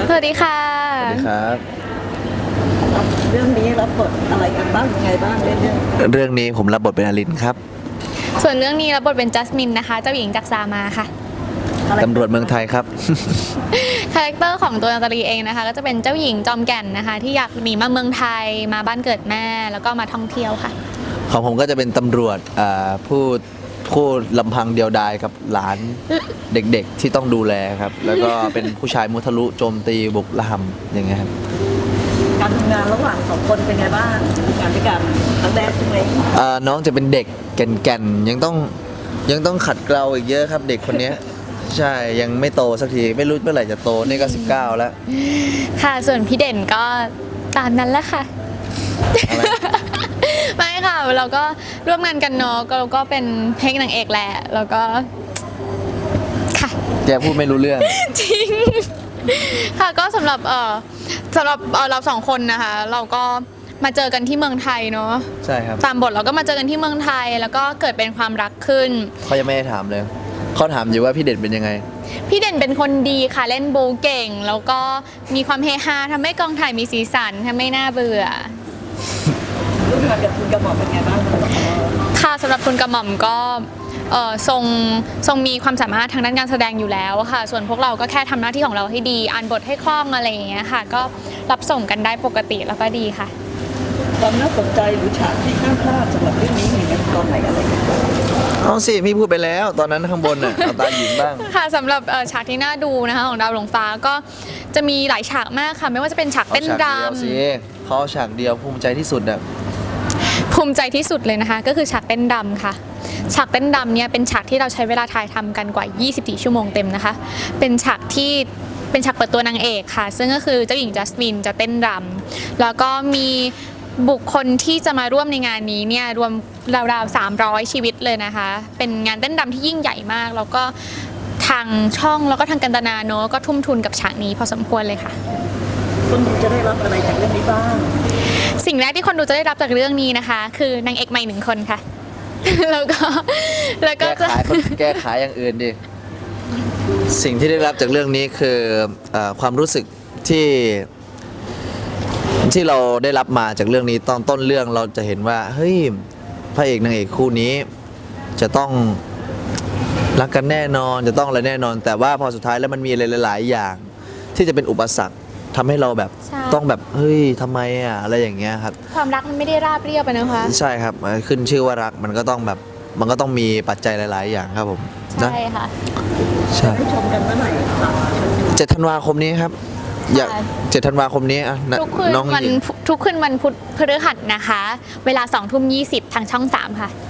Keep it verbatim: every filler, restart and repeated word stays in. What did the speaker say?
สวัสดีค่ะสวัสดีครับเรื่องนี้รับบทอะไรกันบ้างยังไงบ้างเรื่องเรื่องนี้ผมรับบทเป็นอลินครับส่วนเรื่องนี้รับบทเป็นจัสมินนะคะเจ้าหญิงจากซามาค่ะตำรวจเมืองไทยครับคาแรคเตอร์ของตัวนาตาลีเองนะคะก็จะเป็นเจ้าหญิงจอมแก่นนะคะที่อยากหนีมาเมืองไทยมาบ้านเกิดแม่แล้วก็มาท่องเที่ยวค่ะของผมก็จะเป็นตำรวจผู้ผู้ลำพังเดียวดายกับหลานเด็กๆที่ต้องดูแลครับแล้วก็เป็นผู้ชายมุทะลุโจมตีบุกละหำอย่างเงี้ยครับการทำงานระหว่างสองคนเป็นไงบ้างงานด้วยกันครั้งแรกใช่ไหมน้องจะเป็นเด็กแก่นๆยังต้องยังต้องขัดเกลาอีกเยอะครับเด็กคนนี้ใช่ยังไม่โตสักทีไม่รู้เมื่อไหร่จะโตนี่ก็สิบเก้าแล้วค่ะส่วนพี่เด่นก็ตามนั้นแหละค่ะไม่ค่ะเราก็ร่วมงานกันเนาะเราก็เป็นเพลงนางเอกแหละแล้วก็ค่ะแกพูดไม่รู้เรื่องจริงค่ะก็สำหรับเออสำหรับเราสองคนนะคะเราก็มาเจอกันที่เมืองไทยเนาะใช่ครับตามบทเราก็มาเจอกันที่เมืองไทยแล้วก็เกิดเป็นความรักขึ้นเขายังไม่ได้ถามเลยเขาถามอยู่ว่าพี่เด่นเป็นยังไงพี่เด่นเป็นคนดีค่ะเล่นบูเก่งแล้วก็มีความเฮฮาทำให้กองถ่ายมีสีสันทำให้น่าเบื่อร่วมงานกับคุณกระหม่อมเป็นไงบ้างค่ะสำหรับคุณกระหม่อมก็ทรงทรงมีความสามารถทางด้านการแสดงอยู่แล้วค่ะส่วนพวกเราก็แค่ทำหน้าที่ของเราให้ดีอ่านบทให้คล่องอะไรอย่างเงี้ยค่ะก็รับส่งกันได้ปกติแล้วก็ดีค่ะความน่าสนใจหรือฉากที่ห้ามพลาดสำหรับเรื่องนี้มีตอนไหนอะไรกันเอาสิพี่พูดไปแล้วตอนนั้นข้างบนน่ะเอาตาหญิงบ้างค่ะสำหรับฉากที่น่าดูนะคะของดาวหลงฟ้าก็จะมีหลายฉากมากค่ะไม่ว่าจะเป็นฉากเต้นรำเขาฉากเดียวภูมิใจที่สุดอ่ะภูมิใจที่สุดเลยนะคะก็คือฉากเต้นรำค่ะฉากเต้นรำเนี่ยเป็นฉากที่เราใช้เวลาถ่ายทำกันกว่ายี่สิบสี่ชั่วโมงเต็มนะคะเป็นฉากที่เป็นฉากเปิดตัวนางเอกค่ะซึ่งก็คือเจ้าหญิงจัสมินจะเต้นรำแล้วก็มีบุคคลที่จะมาร่วมในงานนี้เนี่ยรวมราวๆสามร้อยชีวิตเลยนะคะเป็นงานเต้นรำที่ยิ่งใหญ่มากแล้วก็ทางช่องแล้วก็ทางกันตนาโนก็ทุ่มทุนกับฉากนี้พอสมควรเลยค่ะคนดูจะได้รับอะไรจากเรื่องนี้บ้างสิ่งแรกที่คนดูจะได้รับจากเรื่องนี้นะคะคือนางเอกใหม่หนึ่งคนค่ะแล้วก็แล้วก็จะแก้ไขอย่างอื่นดิสิ่งที่ได้รับจากเรื่องนี้คือความรู้สึกที่ที่เราได้รับมาจากเรื่องนี้ตอนต้นเรื่องเราจะเห็นว่าเฮ้ยพระเอกนางเอกคู่นี้จะต้องรักกันแน่นอนจะต้องอะไรแน่นอนแต่ว่าพอสุดท้ายแล้วมันมีอะไรหลายๆอย่างที่จะเป็นอุปสรรคทำให้เราแบบต้องแบบเฮ้ยทำไมอ่ะอะไรอย่างเงี้ยครับความรักมันไม่ได้ราบเรียบไปนะคะใช่ครับขึ้นชื่อว่ารักมันก็ต้องแบบมันก็ต้องมีปัจจัยหลายๆอย่างครับผมใช่ค่ะใช่ชมกันเมื่อไหร่เจ็ดธันวาคมนี้ครับอยากเจ็ดธันวาคมนี้อ่ะทุกคืนวันทุกคืนวันพุธพฤหัสนะคะเวลาสองทุ่มยี่สิบทางช่องสามค่ะ